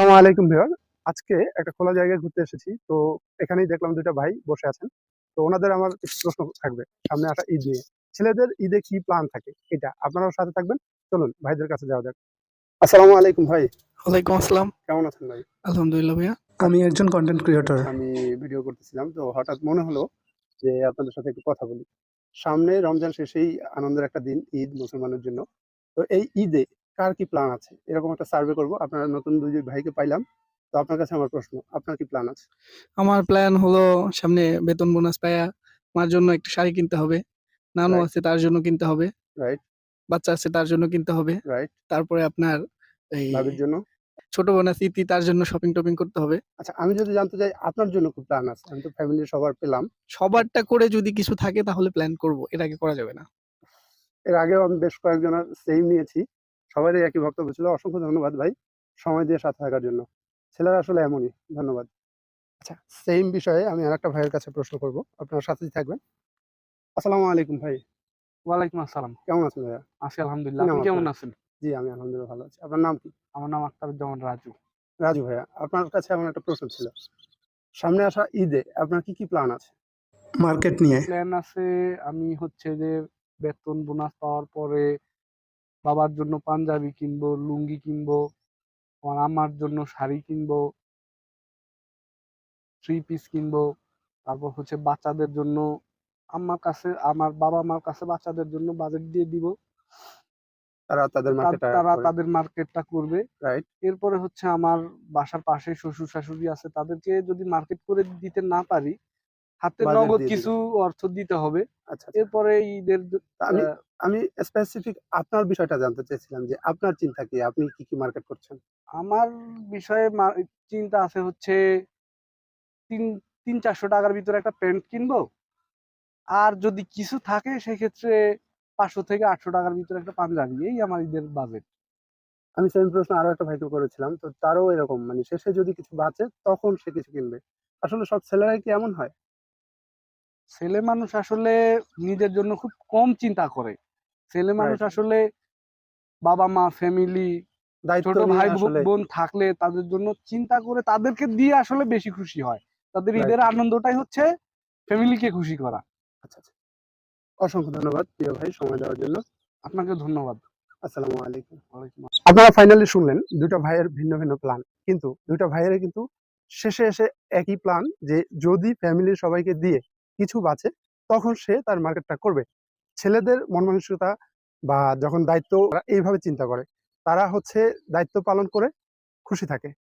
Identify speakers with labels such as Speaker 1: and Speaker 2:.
Speaker 1: আসসালামু আলাইকুম ভিউয়ার। আজকে একটা খোলা জায়গায় ঘুরতে এসেছি। তো এখানেই দেখলাম দুইটা ভাই বসে আছেন। তো ওনাদের আমার কিছু প্রশ্ন থাকবে সামনে আসা ঈদ নিয়ে। ছেলেদের ঈদে কি প্ল্যান থাকে এটা আপনারাও সাথে থাকবেন। চলুন ভাইদের কাছে যাওয়া যাক। আসসালামু আলাইকুম ভাই।
Speaker 2: ওয়ালাইকুম আসসালাম।
Speaker 1: কেমন আছেন ভাই?
Speaker 2: আলহামদুলিল্লাহ ভাইয়া। আমি একজন কন্টেন্ট ক্রিয়েটর।
Speaker 1: আমি ভিডিও করতেছিলাম, তো হঠাৎ মনে হলো যে আপনাদের সাথে একটু কথা বলি। সামনে রমজান শেষেই আনন্দের একটা দিন, ঈদ মুসলমানের জন্য। তো এই ঈদে কার কি প্ল্যান আছে এরকম একটা সার্ভে করব। আপনারা নতুন দুই ভাইকে পাইলাম, তো আপনার কাছে আমার প্রশ্ন, আপনার কি প্ল্যান আছে?
Speaker 2: আমার প্ল্যান হলো সামনে বেতন বোনাস পাইয়া মার জন্য একটা শাড়ি কিনতে হবে। নানু
Speaker 1: রাইট,
Speaker 2: আছে তার জন্য কিনতে হবে।
Speaker 1: রাইট,
Speaker 2: বাচ্চা আছে তার জন্য কিনতে হবে।
Speaker 1: রাইট।
Speaker 2: তারপরে আপনার এই
Speaker 1: ভাবির জন্য।
Speaker 2: ছোট বোন আছে ইতি, তার জন্য শপিং-টপিং করতে হবে।
Speaker 1: আচ্ছা, আমি যদি জানতে চাই আপনার জন্য কি প্ল্যান আছে? আমি তো ফ্যামিলির সবার পেলাম।
Speaker 2: সবারটা করে যদি কিছু থাকে তাহলে প্ল্যান করব। এর আগে করা যাবে না।
Speaker 1: এর আগেও আমি বেশ কয়েকজনের সেম নিয়েছি। সবারই একই বক্তব্য ছিল। অসংখ্য ধন্যবাদ ভাই সময় দিয়ে সাথে থাকার জন্য। ছেলেরা আসলে এমনই। ধন্যবাদ। আচ্ছা, সেম বিষয়ে আমি আরেকটা ভাইয়ের কাছে প্রশ্ন করব। আপনার সাথেই থাকবেন। আসসালামু আলাইকুম ভাই।
Speaker 3: ওয়ালাইকুম আসসালাম।
Speaker 1: কেমন আছেন ভাইয়া?
Speaker 3: আছি
Speaker 1: কি
Speaker 3: আলহামদুলিল্লাহ।
Speaker 1: নাম
Speaker 3: আপনি কেমন
Speaker 1: আপনার?
Speaker 3: আছেন?
Speaker 1: জি, আমি আলহামদুলিল্লাহ ভালো আছি। আপনার নাম কি?
Speaker 3: আমার নাম আখতারুজ্জামান রাজু।
Speaker 1: রাজু ভাইয়া। আপনার কাছে আমার একটা প্রশ্ন ছিল। সামনে আসা ঈদে আপনার কি প্ল্যান আছে?
Speaker 2: মার্কেট নিয়ে।
Speaker 3: প্ল্যান আছে, আমি হচ্ছে যে বেতন বোনাস পাওয়ার পরে বাবার জন্য পাঞ্জাবি কিনবো, লুঙ্গি কিনবো, আমার আম্মার জন্য শাড়ি কিনবো, থ্রি পিস কিনবো। তারপর হচ্ছে বাচ্চাদের জন্য আমার বাবা-মার কাছে বাচ্চাদের জন্য বাজেট দিয়ে দিব।
Speaker 1: তারা তাদের মার্কেটটা
Speaker 3: তারা
Speaker 1: করে।
Speaker 3: তাদের মার্কেটটা করবে।
Speaker 1: রাইট।
Speaker 3: এরপরে হচ্ছে আমার বাসার পাশে শ্বশুর-শাশুড়ি আছে, তাদেরকে যদি মার্কেট করে দিতে না পারি, হাতে
Speaker 1: বাজেট
Speaker 3: নগদ
Speaker 1: দিয়ে
Speaker 3: কিছু
Speaker 1: দিবেন।
Speaker 3: অর্থ দিতে হবে।
Speaker 1: আচ্ছা, আচ্ছা।
Speaker 3: এরপরে ঈদের
Speaker 1: তা আমি
Speaker 3: আহ,
Speaker 1: আমি স্পেসিফিক আপনার বিষয়টা জানতে চাইছিলাম যে আপনার চিন্তা কি? আপনি কি মার্কেট করছেন?
Speaker 3: আমার বিষয়ে চিন্তা আছে হচ্ছে তিন 300-400 টাকার ভিতরে একটা প্যান্ট কিনবো। আর যদি কিছু থাকে সেক্ষেত্রে 500 থেকে 800 টাকার ভিতরে একটা পাঞ্জাবি, এই আমার ঈদের বাজেট।
Speaker 1: আমি সেম প্রশ্ন আরো একটা ভাইকে করেছিলাম। তো তারও এরকম, মানে শেষে যদি কিছু বাঁচে তখন সে কিছু কিনবে। আসলে সব ছেলেরাই কি এমন হয়?
Speaker 3: ছেলে মানুষ আসলে নিজের জন্য খুব কম চিন্তা করে। ছেলে মানুষ
Speaker 1: রাইট।
Speaker 3: আসলে বাবা মা ফ্যামিলি
Speaker 1: দায়িত্ব
Speaker 3: ছোট
Speaker 1: নিয়ে
Speaker 3: ভাই
Speaker 1: আসলে।
Speaker 3: বোন থাকলে তাদের জন্য চিন্তা করে তাদেরকে দিয়ে আসলে বেশি খুশি হয়। তাদের
Speaker 1: রাইট,
Speaker 3: ঈদের
Speaker 1: রাইট।
Speaker 3: আনন্দটাই হচ্ছে ফ্যামিলিকে খুশি করা।
Speaker 1: আচ্ছা, আচ্ছা। অসংখ্য ধন্যবাদ প্রিয় ভাই সময় দেওয়ার জন্য।
Speaker 3: আপনাকে ধন্যবাদ।
Speaker 1: আসসালামু আলাইকুম।
Speaker 3: ওয়ালাইকুম
Speaker 1: আপনারা ফাইনালি শুনলেন দুইটা ভাইয়ের ভিন্ন ভিন্ন প্ল্যান, কিন্তু দুইটা ভাইয়ের কিন্তু শেষে এসে একই প্ল্যান, যে যদি ফ্যামিলির সবাইকে দিয়ে কিছু বাঁচে তখন সে তার মার্কেটটা করবে। ছেলেদের মন মানসিকতা বা যখন দায়িত্ব, তারা এইভাবে চিন্তা করে, তারা হচ্ছে দায়িত্ব পালন করে খুশি থাকে।